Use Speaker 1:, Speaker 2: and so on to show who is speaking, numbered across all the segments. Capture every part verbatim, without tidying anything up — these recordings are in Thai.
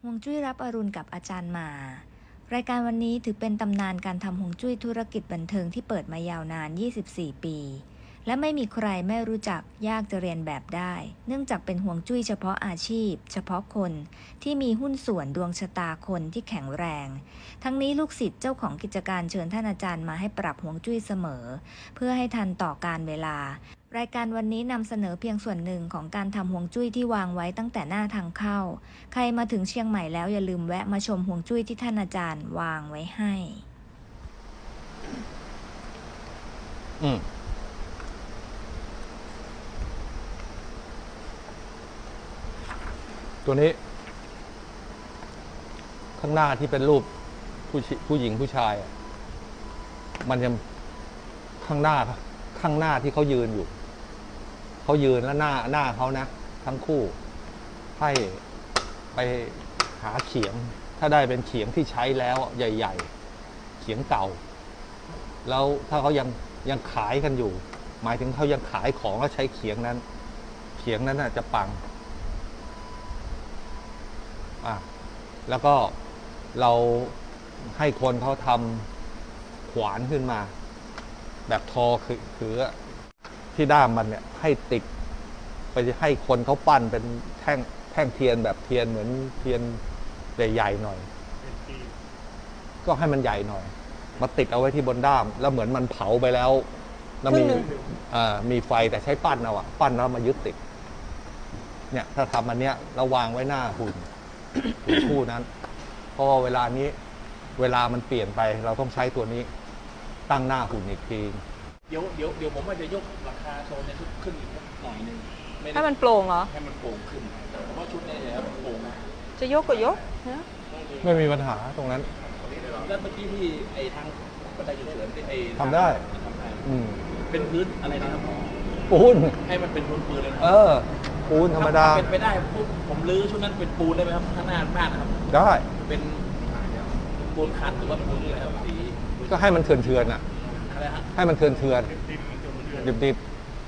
Speaker 1: ฮวงจุ้ยรับอรุณกับอาจารย์หมารายการวันนี้ถือเป็นตำนานการทำฮวงจุ้ยธุรกิจบันเทิงที่เปิดมายาวนานยี่สิบสี่ปีและไม่มีใครไม่รู้จักยากจะเรียนแบบได้เนื่องจากเป็นฮวงจุ้ยเฉพาะอาชีพเฉพาะคนที่มีหุ้นส่วนดวงชะตาคนที่แข็งแรงทั้งนี้ลูกศิษย์เจ้าของกิจการเชิญท่านอาจารย์มาให้ปรับฮวงจุ้ยเสมอเพื่อให้ทันต่อการเวลารายการวันนี้นำเสนอเพียงส่วนหนึ่งของการทำฮวงจุ้ยที่วางไว้ตั้งแต่หน้าทางเข้าใครมาถึงเชียงใหม่แล้วอย่าลืมแวะมาชมฮวงจุ้ยที่ท่านอาจารย์วางไว้ให้
Speaker 2: อืมตัวนี้ข้างหน้าที่เป็นรูปผู้ผู้หญิงผู้ชายมันจะข้างหน้าข้างหน้าที่เขายืนอยู่เขายืนแล้วหน้าหน้าเขานะทั้งคู่ให้ไปหาเขียงถ้าได้เป็นเขียงที่ใช้แล้วใหญ่ๆเขียงเก่าแล้วถ้าเขายังยังขายกันอยู่หมายถึงเขายังขายของแล้วใช้เขียงนั้นเขียงนั้นน่ะจะปังอ่ะแล้วก็เราให้คนเขาทำขวานขึ้นมาแบบทอคือคือที่ด้ามมันเนี่ยให้ติดไปให้คนเขาปั้นเป็นแท่งแท่งเทียนแบบเทียนเหมือนเทียนใหญ่ๆหน่อยก็ให้มันใหญ่หน่อยมาติดเอาไว้ที่บนด้ามแล้วเหมือนมันเผาไปแล้วแล้วมีอ่ามีไฟแต่ใช้ปั้นเอาอะปั้นแล้วมายึดติดเนี่ยถ้าทำอันเนี้ยเราวางไว้หน้าหุ่นหุ่นคู่นั้นเพราะเวลานี้เวลามันเปลี่ยนไปเราต้องใช้ตัวนี้ตั้งหน้าหุ่นอีกที
Speaker 3: เดี๋ยวเดี๋ยวเดี๋ยวผมว่าจะยกราคาโซนในชุดขึ้นอีกหน่อยนึง
Speaker 4: ให้มันโปร่งเหรอ
Speaker 3: ให้มันโปร่งขึ้นเพราะว่าชุดนี้เนี่ยมันโปร่งนะ
Speaker 4: จะยกก็ยกนะ
Speaker 2: ไม่มีปัญหาตรงนั้น
Speaker 3: แล้วเมื่อกี้ที่ไอ้ทางบันไดฉุกเฉินไอ้
Speaker 2: ทำได้
Speaker 3: อืมเป็นพื้นอะไรนะครับ
Speaker 2: ปูน
Speaker 3: ให้มันเป็นพื้นปืนเลยนะ
Speaker 2: เออปูนธรรมดา
Speaker 3: เป็นไปได้ปุ๊บผมรื้อชุดนั้นเป็นปูนได้ไหมครับข้างหน้าบ้านนะครับ
Speaker 2: ได้
Speaker 3: เป็นปูนคันหรือว่าปูนอะไรครับสี
Speaker 2: ก็ให้มันเถื่อนเถื่อนอ่ะให้มันเถื่อนเถื่อนดิบดิบ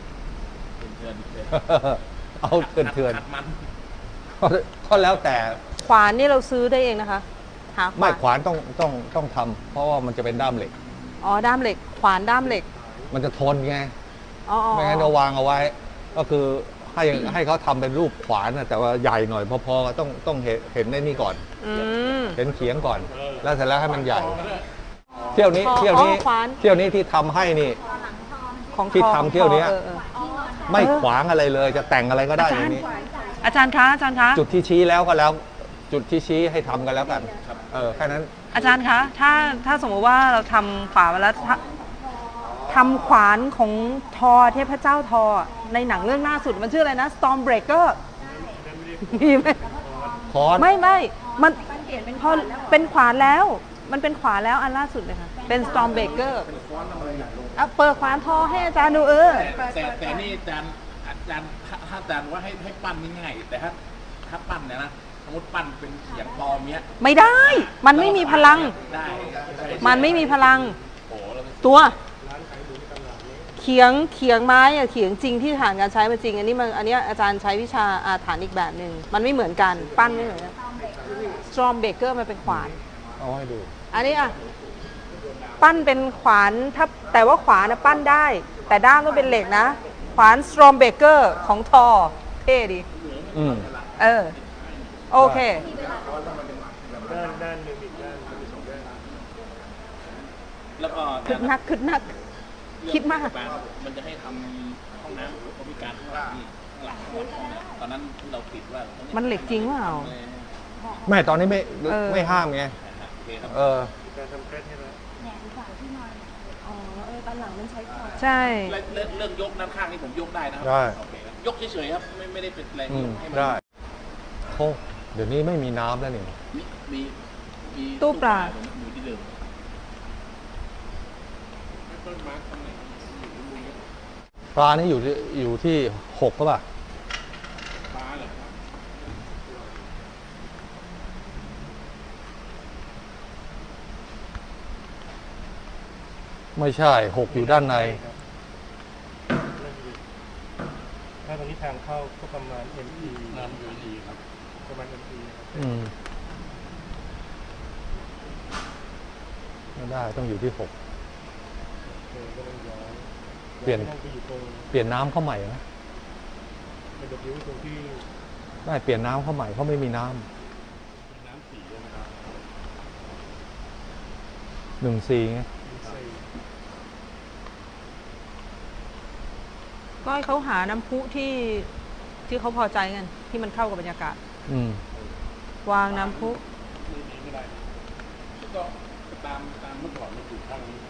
Speaker 2: เอาเถื่อนเถื่อนก็แล้วแต่
Speaker 4: ขวานนี่เราซื้อได้เองนะคะหา
Speaker 2: ไม่ขวานต้องต้องต้องทำเพราะว่ามันจะเป็นด้ามเหล็ก
Speaker 4: อ๋อด้ามเหล็กขวานด้ามเหล็ก
Speaker 2: มันจะทนไงไม่งั้นเราวางเอาไว้ก็คือให้ให้เขาทำเป็นรูปขวานแต่ว่าใหญ่หน่อยพอๆต้องต้องเห็นเห็นได้นี่ก่อนเห็นเขียงก่อนแล้วเสร็จแล้วให้มันใหญ่เที่ยวนี้เที่ยวนี้เที่ยวนี้ที่ทำให้นี่ที่ทำเที่ยวนี้ไม่ขวางอะไรเลยจะแต่งอะไรก็ได้อย่างนี้
Speaker 4: อาจารย์คะอาจารย์คะ
Speaker 2: จุดที่ชี้แล้วก็แล้วจุดที่ชี้ให้ทำกันแล้วกันเออแค่นั้น
Speaker 4: อาจารย์คะถ้าถ้าสมมติว่าเราทำขวานมาแล้วทำขวานของทอเทพเจ้าทอในหนังเรื่องล่าสุดมันชื่ออะไรนะ Stormbreaker มีไหมไม่ไม่มันพอเป็นขวานแล้วมันเป็นขวานแล้วอันล่าสุดเลยค่ะเป็น Stormbreaker เอาเปิดขวานทอให้อาจารย์ดูเออ
Speaker 3: แต่แต่นี่อาจารย์อาจารย์ถ้าอาจารย์ว่าให้ให้ปั้นง่ายแต่ถ้าถ้าปั้นเนี่ยนะสมมติปั้นเป็นเขียงปลอมเนี้ย
Speaker 4: ไม่ได้มันไม่มีพลังมันไม่มีพลังตัวเขียงเขียงไม้อะเขียงจริงที่ผ่านการใช้มาจริงอันนี้มันอันนี้อาจารย์ใช้วิชาอาถรรพ์อีกแบบหนึ่งมันไม่เหมือนกันปั้นไม่เหมือนกัน Stormbreaker มันเป็นขวาน
Speaker 2: เอาให้ดู
Speaker 4: อันนี้อ่ะปั้นเป็นขวานถ้าแต่ว่าขวานนะปั้นได้แต่ด้ามก็เป็นเหล็กนะขวาน Stormbreaker ของทอเท่ดี
Speaker 2: อืม
Speaker 4: เออโอเค
Speaker 3: ด้านด้านหนึ่งอีกด้านมีสองด้านแล้วก็
Speaker 4: คึกนักคึกนักคิดมาก
Speaker 3: มันจะให้ทำห้องน้ำเขามีการข้างหลังหลังตอนนั้นเราปิดว่า
Speaker 4: มันเหล็กจริงเปล่า
Speaker 2: ไม่ตอนนี้ไม่ไม่ห้ามไงเออ
Speaker 3: การทำเคล็ดให้แล้วแหนมขวาที่นอนอ๋อเออตอนหลังมันใช้ขวาน
Speaker 4: ใช่
Speaker 3: เรื่องเรื่องยกด้านข้างนี่ผมยกได้นะครับ
Speaker 2: ได้
Speaker 3: ยกเฉยๆครับไม่ไม่ได้เป็นแรงยกให้มัน
Speaker 2: ได้โอ้เดี๋ยวนี้ไม่มีน้ำแล้วนี่
Speaker 3: มีมี
Speaker 4: ตู้ปลา
Speaker 3: อยู่ที่เดิม
Speaker 2: ปลานี่อยู่ที่อยู่ที่หกก็ป่ะ
Speaker 3: ปลาเหรอ
Speaker 2: ไม่ใช่หกอยู่ด้านใน
Speaker 3: ถ้าตรงนี้ทางเข้าก็ประมาณ เอ็ม อี น้ำ เอ็ม อี ครับประมาณ เอ็ม อี ครับ
Speaker 2: อืมไม่ได้ต้องอยู่ที่หก
Speaker 5: เออก็ต้องย้อน
Speaker 2: เปลี่ยน
Speaker 5: ย้าไปอยู่ตรง
Speaker 2: เปลี่ยนน้ำเข้าใหม่นะ
Speaker 5: มันจะยิ้วตรงที่
Speaker 2: ได้เปลี่ยนน้ำเข้าใหม่เขาไม่มีน้ำ
Speaker 5: น้ำสีใช่ไหมครับ
Speaker 2: หนึ่งสี่ไง
Speaker 5: มีไส้
Speaker 4: ก็ให้เขาหาน้ำพุที่ที่เขาพอใจกันที่มันเข้ากับบรรยากาศ
Speaker 2: อืม
Speaker 4: วางน้ำพุ
Speaker 5: ไม่ดีไม่ได้
Speaker 3: ก็ตามตามเมื่อก่อนมันอยู่ข้างนี้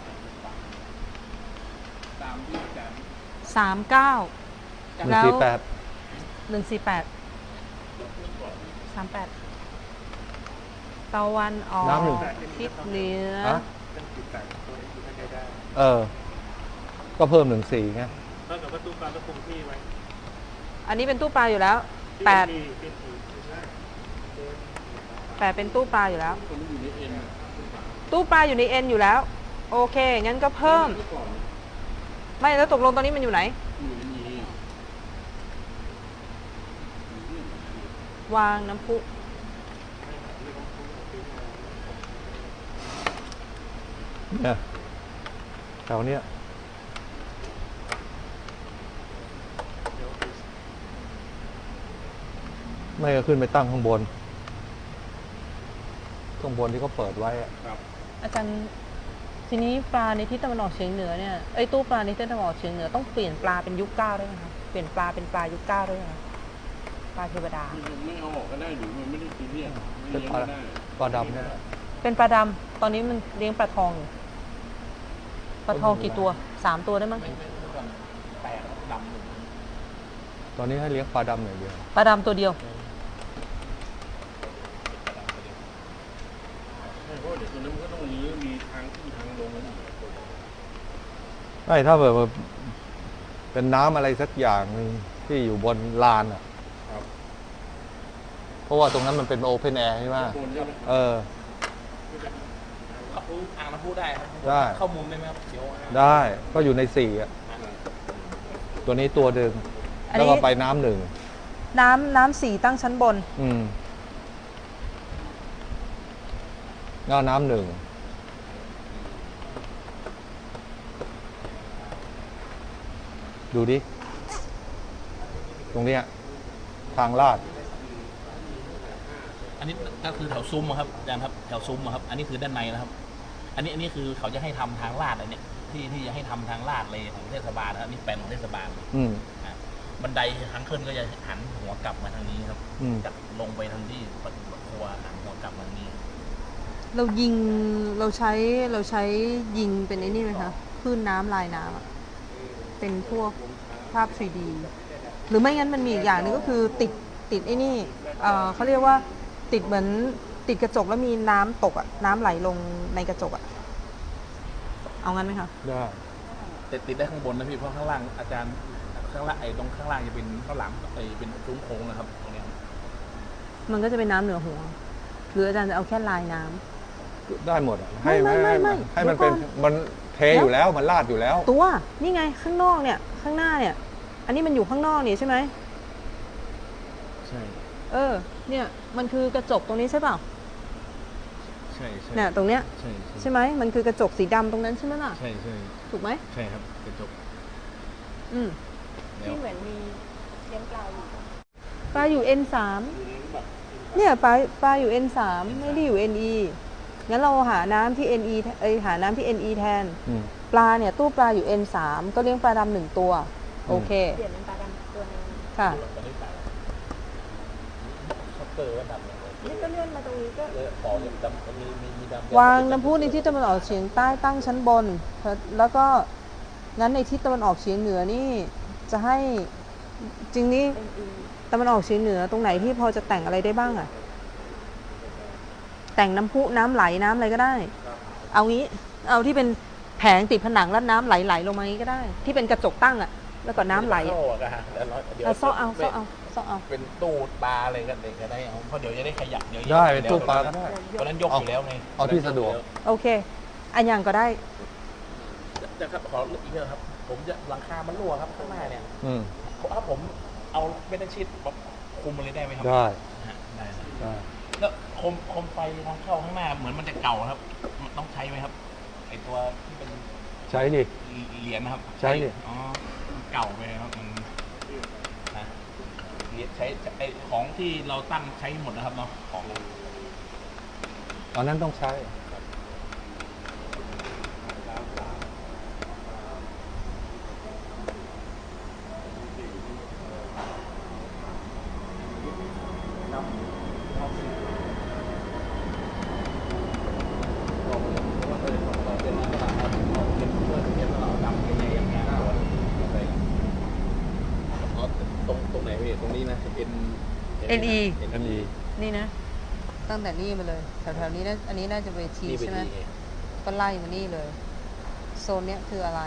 Speaker 3: ตามที่อาจารย์
Speaker 4: สามเก้า
Speaker 2: หนึ่ง
Speaker 4: แล้ว
Speaker 2: สี่แปด
Speaker 4: หนึ่งสี่แปดสามแปดตะวันออกทิศเหนือ
Speaker 2: ฮะ
Speaker 5: เป็นจุดแตกตัวนี้อยู่ไม่ได้ได้
Speaker 2: เออ ก็เพิ่มหนึ่งสี่ไง
Speaker 5: เท่ากับว่าตู้ปลาก็คงที่ไว้
Speaker 4: อันนี้เป็นตู้ปลาอยู่แล้วแปด
Speaker 5: ที่เป็นที่ไม่ใช่
Speaker 4: แปดเป็นตู้ปลาอยู่แล้ว
Speaker 3: คนที่อยู่ในเอ็น
Speaker 4: ตู้ปลาอยู่ในเอ็นอยู่แล้ว โอเค งั้นก็เพิ่ม
Speaker 3: เมื่อก่อน
Speaker 4: ไม่แล้วตกลงตอนนี้มันอยู่ไหน
Speaker 3: อยู่ในนี้
Speaker 4: วางน้ำพุ
Speaker 2: เนี่ยแถวเนี้ยไม่ก็ขึ้นไปตั้งข้างบน ข้างบนที่เขาเปิดไว้อะ
Speaker 3: ครับ
Speaker 4: อาจารย์ทีนี้ปลาในทิศตะวันออกเฉียงเหนือเนี่ยไอ้ยตู้ปลาในทิศตะวันออกเฉียงเหนือต้องเปลี่ยนปลาเป็นยุคเก้าได้ไหมคะเปลี่ยนปลาเป็นปลายุคเก้าได้ไหมคะปลาเทวดา
Speaker 3: มันไม่เอาออกก็ได้หรือมันไม่ได้ซีเรียสไม่
Speaker 2: เป็น
Speaker 3: เลี้ยง
Speaker 2: ปลา
Speaker 3: ก็ได้
Speaker 2: ปลาดำเนี่ย
Speaker 4: เป็นปลาดำตอนนี้มันเลี้ยงปลาทองอยู่ปลาทองกี่ตัวสามตัวได้มั้ง
Speaker 3: ไม่ไม่เมื่อก่อนแปดดำหนึ่ง
Speaker 2: ตอนนี้ให้เลี้ยงปลาดำอย่างเดียว
Speaker 4: ปลาดำตัวเดียว
Speaker 3: ใช่เพราะว่าเดี๋ยวตัวนั้นมันก็ต้องรื้อมีทางขึ้นทางลงนั่นอีก
Speaker 2: ไม่ถ้าแบบว่าเป็นน้ำอะไรสักอย่างหนึ่งที่อยู่บนลานอ่ะ
Speaker 3: ครับ
Speaker 2: เพราะว่าตรงนั้นมันเป็นโอเพนแอร์ใช่ไหม
Speaker 3: โคนใช่ไหม
Speaker 2: เออ
Speaker 3: อ่างน้ำพุได้ครับ
Speaker 2: ได้
Speaker 3: เข้ามุมได้ไหมครับเดี๋ยวอ่าง
Speaker 2: ได้ก็อยู่ในสี่อ่ะ ตัวนี้ตัวหนึ่ง
Speaker 4: อันนี้
Speaker 2: แล้วก็ไปน้ำหนึ่ง
Speaker 4: น้ำน้ำสีตั้งชั้นบน
Speaker 2: อืมก็น้ำหนึ่ง ดูดิ ตรงเนี้ยทางลาด
Speaker 6: อันนี้ก็คือแถวซุ้มอะครับอาจารย์ครับแถวซุ้มอะครับ อันนี้คือด้านในนะครับ อันนี้อันนี้คือเขาจะให้ทำทางลาดอันเนี้ยที่ที่จะให้ทำทางลาดเลยของเทศบาลนะครับนี่แปลนของเทศบาล
Speaker 2: อืม
Speaker 6: อ่ะบันไดทางขึ้นก็จะหันหัวกลับมาทางนี้ครับ
Speaker 2: อืม
Speaker 6: จากลงไปทางที่ครัวหันหัวกลับมาทางนี้
Speaker 4: เรายิงเราใช้เราใช้ยิงเป็นไอ้นี่ไหมคะคลื่นน้ำลายน้ำอะเป็นพวกภาพ ทรี ดี หรือไม่งั้นมันมีอีกอย่างหนึงก็คือติดติดไอ้นี่เอ่อเขาเรียกว่าติดเหมือนติดกระจกแล้วมีน้ำตกอะน้ำไหลลงในกระจกอะเอางั้นไหมคะ
Speaker 2: ได้
Speaker 6: แต่ติดได้ข้างบนนะพี่เพราะข้างล่างอาจารย์ข้างล่างไอ้ตรงข้างล่างจะเป็นข้างหลังไอ้เป็นซุ้มโค้งนะครับตรงเนี้ยครับ
Speaker 4: มันก็จะเป็นน้ำเหนือหัว หรืออาจารย์จะเอาแค่ลายน้ำ
Speaker 2: ได้หมดอะ
Speaker 4: ไม่ไม่ไม่ไม่
Speaker 2: ให้มันเป็น
Speaker 4: เดี๋ยวก่อน
Speaker 2: มันเทอยู่แล้วมันลาดอยู่แล้ว
Speaker 4: ตัวนี่ไงข้างนอกเนี่ยข้างหน้าเนี่ย อันนี้มันอยู่ข้างนอกนี่ใช่ไหม
Speaker 6: ใช่
Speaker 4: เออเนี่ยมันคือกระจกตรงนี้ใช่เปล่า
Speaker 6: ใช่ใช่
Speaker 4: เนี่ยตรงเนี้ย
Speaker 6: ใช่
Speaker 4: ใช่ไหมมันคือกระจกสีดำตรงนั้นใช่ไหมล่ะ
Speaker 6: ใช่ใช่
Speaker 4: ถูกไหม
Speaker 6: ใช่ครับกระจก
Speaker 4: อืม
Speaker 6: แล้ว
Speaker 4: ที่เหมือนมีเลี้ยงปลาอยู่ปลาอยู่ เอ็น สามเนี่ยปลาปลาอยู่ เอ็น สามไม่ได้อยู่ เอ็น อี งั้นเราหาน้ำที่ เอ็น อี เอ้ยหาน้ำที่ เอ็น อี แทน
Speaker 2: อืม
Speaker 4: ปลาเนี่ยตู้ปลาอยู่ เอ็น สามก็เลี้ยงปลาดำหนึ่งตัว โอเค
Speaker 1: เปลี่ยนเป็นปลาดำตัวนึง
Speaker 4: ค่ะ
Speaker 6: ตอนนี้ตายช็อปเปอร์ก็ดำเลย
Speaker 1: นี่ก็เลื่อนมาตรงนี้ก็
Speaker 6: เลยขอเลยดำมีมีมีดำ
Speaker 4: วางน้ำพุในทิศตะวันออกเฉียงใต้ตั้งชั้นบน แล้วก็งั้นในทิศตะวันออกเฉียงเหนือนี่จะให้จริงนี่ตะวันออกเฉียงเหนือตรงไหนที่พอจะแต่งอะไรได้บ้างอะแต่งน้ำพุน้ำไหลน้ำอะไรก็ได้ เอางี้เอาที่เป็นแผงติดผนังแล้วน้ำไหลไหลลงมางี้ก็ได้ ที่เป็นกระจกตั้งอะแล้วก็น้ำไหล
Speaker 6: เข้าอะก็ฮะแล้วเดี๋ยว
Speaker 4: เอาซ่อเอาซ่อเอาซ่อเอา
Speaker 6: เป็นตู้ปลาอะไรกันเด็กก็ได้เอาเพราะเดี๋ยวจะได้ขยับเดี๋ยว
Speaker 2: ได้เป็นตู้ปลาก็ได้
Speaker 6: ตอนนั้นยกอยู่แล้วไง
Speaker 2: เอาที่สะดวก
Speaker 4: โอเค อันอย่างก็ได้
Speaker 6: จะครับขออีกเรื่องครับ ผมจะหลังคามันรั่วครับข้างหน้าเนี่ย
Speaker 2: อืม
Speaker 6: ถ้าผมเอาเมทัลชีตแบบคุมมันเลยได้ไหมครั
Speaker 2: ได้
Speaker 6: ฮะได้ครับ
Speaker 2: ได้
Speaker 6: แล้วโคมโคมไฟทางเข้าข้างหน้าเหมือนมันจะเก่าครับมันต้องใช้ไหมครับตัวที่เป็น
Speaker 2: ใช้ดิ
Speaker 6: เหรียญนะครับ
Speaker 2: ใช้ดิ
Speaker 6: อ๋อมันเก่าไปครับมันนะเหรียญใช้ไอของที่เราตั้งใช้หมดนะครับเนาะของ
Speaker 2: ตอนนั้นต้องใช้
Speaker 6: ตรงตรงไหนพี่ตรงนี้นะ N
Speaker 4: เอ็น อี
Speaker 2: อันนี้
Speaker 4: นี่นะ ตั้งแต่นี่มาเลย แถวๆนี้นะอันนี้น่าจะเวที
Speaker 6: นี่เป็น
Speaker 4: ใช่ไหม
Speaker 6: ที่
Speaker 4: ก็ไล่มานี่เลย โซนเนี้ยคืออะไร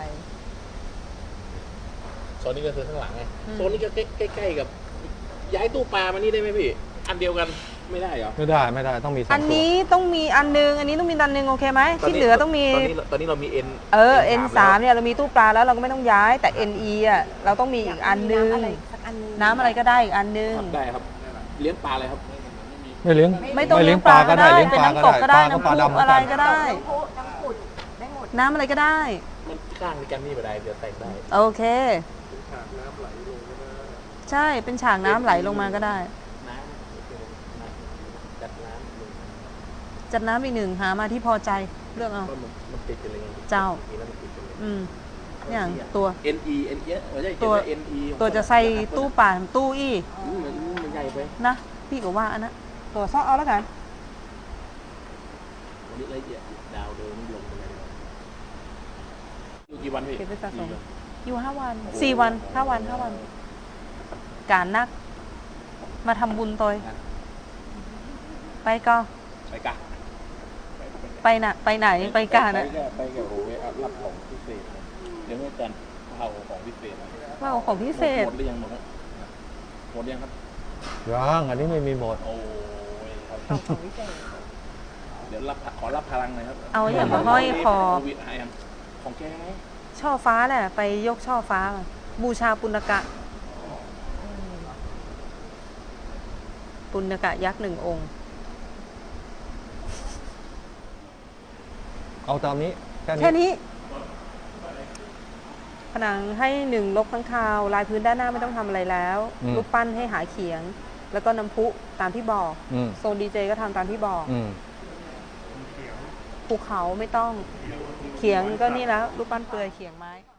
Speaker 6: โซนนี้ก็คือข้างหลังไง
Speaker 4: อืม
Speaker 6: โซนนี้ก็ใกล้ๆกับ ย้ายตู้ปลามานี่ได้ไหมพี่ อันเดียวกันไม่ได้เหรอ
Speaker 2: ไม่ได้ไม่ได้ต้องมีสอง
Speaker 4: อัน
Speaker 2: ตัว
Speaker 4: นี้ต้องมีอันนึง อันนี้ต้องมีอันนึงโอเคไหม ที่เหลือต้องมี
Speaker 6: ตอนนี้ตอนนี้เรามี N
Speaker 4: เออ เอ็น สาม เนี่ยเรามีตู้ปลาแล้วเราก็ไม่ต้องย้าย แต่ เอ็น อี อ่ะเราต้องมีอีกอันนึง น้ำอะไรก็ได้อีกอันนึง
Speaker 6: ครับได้ครับ เลี้ยงปลาอะไรครับ
Speaker 2: ไม่เลี้ยง
Speaker 4: ไม่ต้อง
Speaker 2: เลี้
Speaker 4: เลี้
Speaker 2: ย
Speaker 4: ย
Speaker 2: ง
Speaker 4: ง
Speaker 2: ป
Speaker 4: ป
Speaker 2: ลา
Speaker 4: ลา
Speaker 2: ก็
Speaker 4: ก็
Speaker 2: ได้
Speaker 4: ได้
Speaker 2: เลี้ยง
Speaker 4: เป็น
Speaker 2: ปลาก็
Speaker 4: น้ำตกก็ได้
Speaker 2: ได้
Speaker 4: น้ำ
Speaker 2: ปลา
Speaker 4: พุ
Speaker 2: ดำ
Speaker 4: อะไรก็ได้
Speaker 1: น้ำผุด
Speaker 4: น้ำอะไรก็ได้
Speaker 6: มันข้างในกันนี่ไปได้เดี๋ยวแต่งได้
Speaker 4: โอเค ใช่ เป็นฉากน้ำไหลลงมาก็ได้
Speaker 6: น้ำโอเคน้ำจัดน้ำลง
Speaker 4: จัดน้ำอีกหนึ่งหามาที่พอใจเลือกเอา
Speaker 6: เพราะมันมันติดกันเลยไง
Speaker 4: เจ้า
Speaker 6: ทีนั้นมันติดกันเลย
Speaker 4: อืมอย่างตัว
Speaker 6: N E N E ไม่ใช่
Speaker 4: ตัว
Speaker 6: N E
Speaker 4: ตัวจะใส่ตู้ป่าตู้อี้
Speaker 6: อืมมันมันใหญ่ไป
Speaker 4: นะ พี่ก็ว่าอันนั้นตัวซ่อเอาแล้วกัน
Speaker 6: วันนี้ละเอียดดาวเดินลงไปเลยอยู่กี่วันพี่
Speaker 4: เก็บไว้สะสม อยู่ห้าวันสี่วันห้าวันห้าวัน การนัก มาทำบุญตัวไปก็
Speaker 6: ไปกะ
Speaker 4: ไปน่ะ ไปไหนไปกัน
Speaker 6: ไป
Speaker 4: อ่ะ
Speaker 6: แค่ไปแค่โอ้ยเอารับของพิเศษนะเดี๋ยวแม่จันเอาของพิเศษมา
Speaker 4: ว่าเอาของพิเศษ
Speaker 6: หมดหรือยังหมดแล้วหมดยังครับ
Speaker 2: ยังอันนี้ไม่มีหมด
Speaker 6: โอ้ยครับเดี๋ยวรับขอรับพลังหน่อยครับ
Speaker 4: เอาอย่างมาห้อยคอ
Speaker 6: โวิดให้ยังของแกไง
Speaker 4: ช่อฟ้าแหละไปยกช่อฟ้ามาบูชาปุณกะ ปุณกะยักษ์หนึ่งองค์
Speaker 2: เอาตามนี้แค่นี้
Speaker 4: แค่นี้ ผนังให้หนึ่งลบข้างคาว ลายพื้นด้านหน้าไม่ต้องทำอะไรแล้ว
Speaker 2: อืม
Speaker 4: รูปปั้นให้หาเขียง แล้วก็น้ำพุตามที่บอก
Speaker 2: อืม
Speaker 4: โซนดีเจก็ทำตามที่บอก
Speaker 2: อืม
Speaker 4: ภูเขาไม่ต้อง เขียงก็นี่แล้ว รูปปั้นเปลือยเขียงไม้